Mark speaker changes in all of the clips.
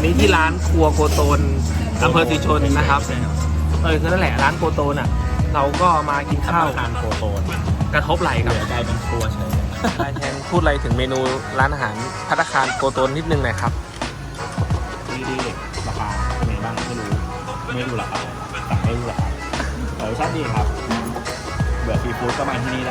Speaker 1: นี้ที่ร้านครัวโกโตนอำเภอศรีชนนะครับคือนั่นแหละร้านโกโตนอ่ะเราก็มากินข้าว
Speaker 2: ทานโกโตน
Speaker 1: กระทบไหล่กับ
Speaker 2: กลายเป็นครัวเฉย
Speaker 1: นายแทนพูดอะไรถึงเมนูร้านอาหารภัตตาคารโกโตนนิดนึงหน่อยครับ
Speaker 2: ดีราคาเป็นไงบ้างไม่รู้ราคาสั่งไม่รู้ราคาแต่รสชาติดีครับเบื่อซีฟู้ดก็มาที่นี่ได้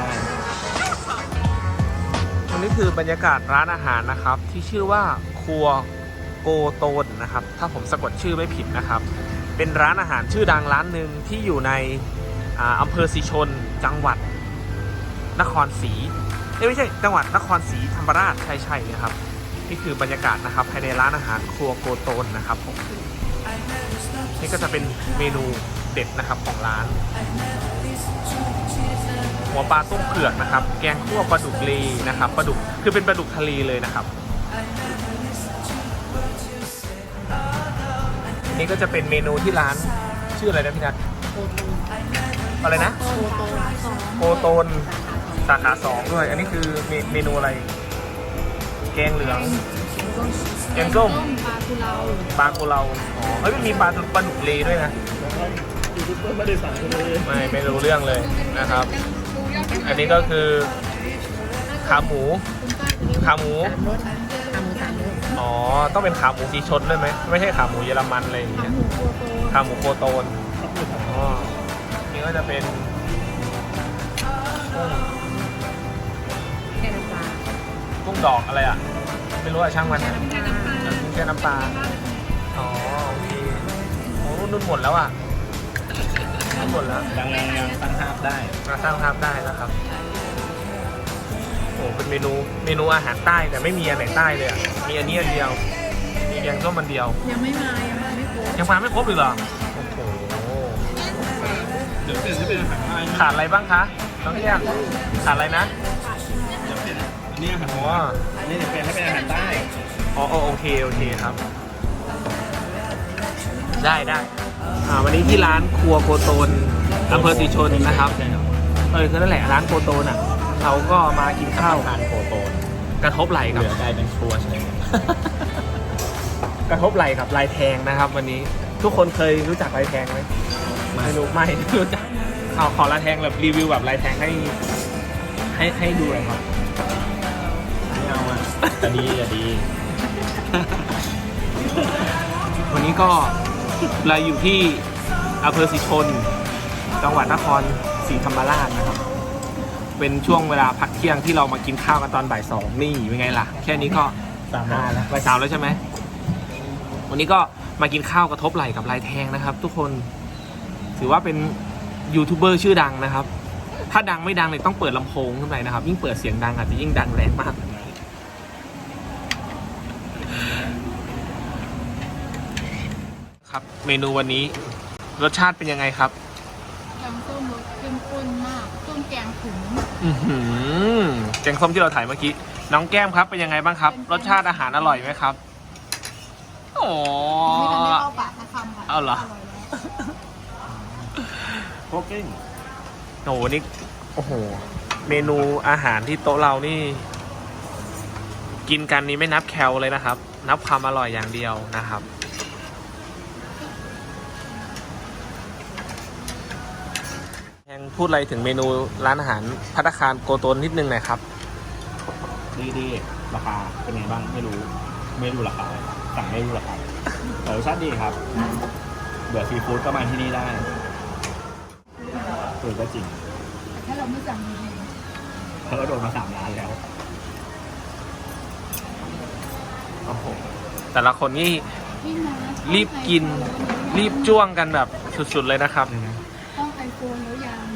Speaker 1: วันนี้คือบรรยากาศร้านอาหารนะครับที่ชื่อว่าครัวโกโตนนะครับถ้าผมสะกดชื่อไม่ผิดนะครับเป็นร้านอาหารชื่อดังร้านหนึ่งที่อยู่ในอำเภอศรีชนจังหวัดนครศรีไม่ใช่จังหวัดนครศรีธรรมราชใช่เลยครับนี่คือบรรยากาศนะครับภายในร้านอาหารครัวโกโตนนะครับผมนี่ก็จะเป็นเมนูเด็ดนะครับของร้านหัวปลาต้มเผือกนะครับแกงคั่วปลาดุกเลนะครับปลาดุกคือเป็นปลาดุกทะเลเลยนะครับนี่ก็จะเป็นเมนูที่ร้านชื่ออะไรนะพี่นัทอะไรนะโกโตนสาขา2ด้วยอันนี้คือเมนูอะไรแกงเหลืองแกงส้มปลากุเลาอ๋อเฮ้ยมันมีปลาดุกเลด้วยนะ
Speaker 2: ไม่ได้สั่งเลย
Speaker 1: ไม่รู้เรื่องเลยนะครับอันนี้ก็คือขาหมูอ๋อต้องเป็นขาหมูสีชนด้วยไหมไม่ใช่ขาหมูเยอรมันอะไรอย่างเงี้ยขาหมูโกโตนอ๋อนี่ก็จะเป็นกุ้งดอกอะไรอ่ะไม่รู้อ่ะช่างมันนะกุ้งแค่น้ำปลาอ๋อโอเคโอ้นุ่นหมดแล้วอ่ะหมดแล้ว
Speaker 2: ยังตั้งภาพได้
Speaker 1: มาสร้างภาพได้แล้วครับโอ้เป็นเมนูอาหารใต้แต่ไม่มีอันไหนใต้เลยอ่ะมีอันนี้อันเดียวมีแกงส้มอันเดียว
Speaker 3: ยังไม่มาไม่ครบ
Speaker 1: ยังมาไม่ครบเลยเหรอโอ้โห
Speaker 2: เดี๋ยวเปลี่ยนให้เป็นอาหารไทย
Speaker 1: ขาดอะไรบ้างคะน้องเรียกขาดอะไรนะ
Speaker 2: เดี๋ยวเปลี่ยนอันนี้อาหารอันนี้เดี๋ยวเปลี่ยนให้เป็นอาหารใต้
Speaker 1: อ๋อโอเคครับได้วันนี้ที่ร้านครัวโกโตนอำเภอศรีชนนะครับคือนั่นแหละร้านโกโตนอ่ะเราก็มากินข้าว
Speaker 2: ทานโกโตน
Speaker 1: กระทบไหล่กับ
Speaker 2: กลายเป็นครัวเฉย
Speaker 1: กระทบไหล่กับลายแทงนะครับวันนี้ทุกคนเคยรู้จักลายแทงไหมไม่รู้จักขอลายแทงแบบรีวิวแบบลายแทงให้ดูหน่อยครับ
Speaker 2: ไม่เอาอ่ะจะดี
Speaker 1: วันนี้ก็เราอยู่ที่อำเภอศรีชนจังหวัดนครศรีธรรมราชนะครับเป็นช่วงเวลาพักเที่ยงที่เรามากินข้าวกันตอนบ่าย 2นี่เป็นไงล่ะแค่นี้ก็
Speaker 2: 3 แล้ว
Speaker 1: บ่าย 3แล้วใช่ไหมวันนี้ก็มากินข้าวกระทบไหล่กับลายแทงนะครับทุกคนถือว่าเป็นยูทูบเบอร์ชื่อดังนะครับถ้าดังไม่ดังเลยต้องเปิดลำโพงขึ้นไปนะครับยิ่งเปิดเสียงดังอาจจะยิ่งดังแรงมากครับเมนูวันนี้รสชาติเป็นยังไงครับ
Speaker 3: แกงส้มรสเข้มข้นมากส้มแกงถุง
Speaker 1: แกงส้มที่เราถ่ายเมื่อกี้น้องแก้มครับเป็นยังไงบ้างครับรสชาติอาหารอร่อยไหมครับโอ้
Speaker 3: ไม่ทันได้เข้าปากสักคำค่ะ
Speaker 1: เอาเหรอ
Speaker 2: โคกิ้ง
Speaker 1: โอ้โหนี่โอ้โหเมนูอาหารที่โต๊ะเรานี่กินกันนี้ไม่นับแคลเลยนะครับนับความอร่อยอย่างเดียวนะครับพูดอะไรถึงเมนูร้านอาหารภัตตาคารโกโตนนิดนึงหน่อยครับ
Speaker 2: ดีราคาเป็นไงบ้างไม่รู้ราคาสั่งไม่รู้ราคาแต่รสชาติดีครับเบื่อซีฟู้ดก็มาที่นี่ได้ก็จริง
Speaker 3: ถ้าเราไม่สั่งดี
Speaker 2: เพราะเราโดนมา3 ร้านแล้ว
Speaker 1: โอ้โหแต่ละคนนี่รีบกินรีบจ้วงกันแบบสุดๆเลยนะครับ
Speaker 3: ต้องไอโฟนแล้วยัง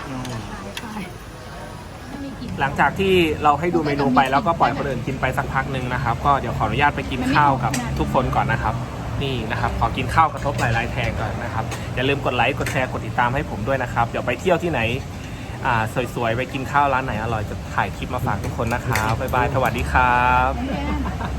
Speaker 1: หลังจากที่เราให้ดูเมนูไปแล้วก็ปล่อยคนอื่นกินไปสักพักหนึ่งนะครับก็เดี๋ยวขออนุญาตไปกินข้าวกับทุกคนก่อนนะครับนี่นะครับขอกินข้าวกระทบไหล่ลายแทงก่อนนะครับอย่าลืมกดไลค์กดแชร์กดติดตามให้ผมด้วยนะครับเดี๋ยวไปเที่ยวที่ไหนสวยๆไปกินข้าวร้านไหนอร่อยจะถ่ายคลิปมาฝากทุกคนนะครับบ๊ายบายสวัสดีครับ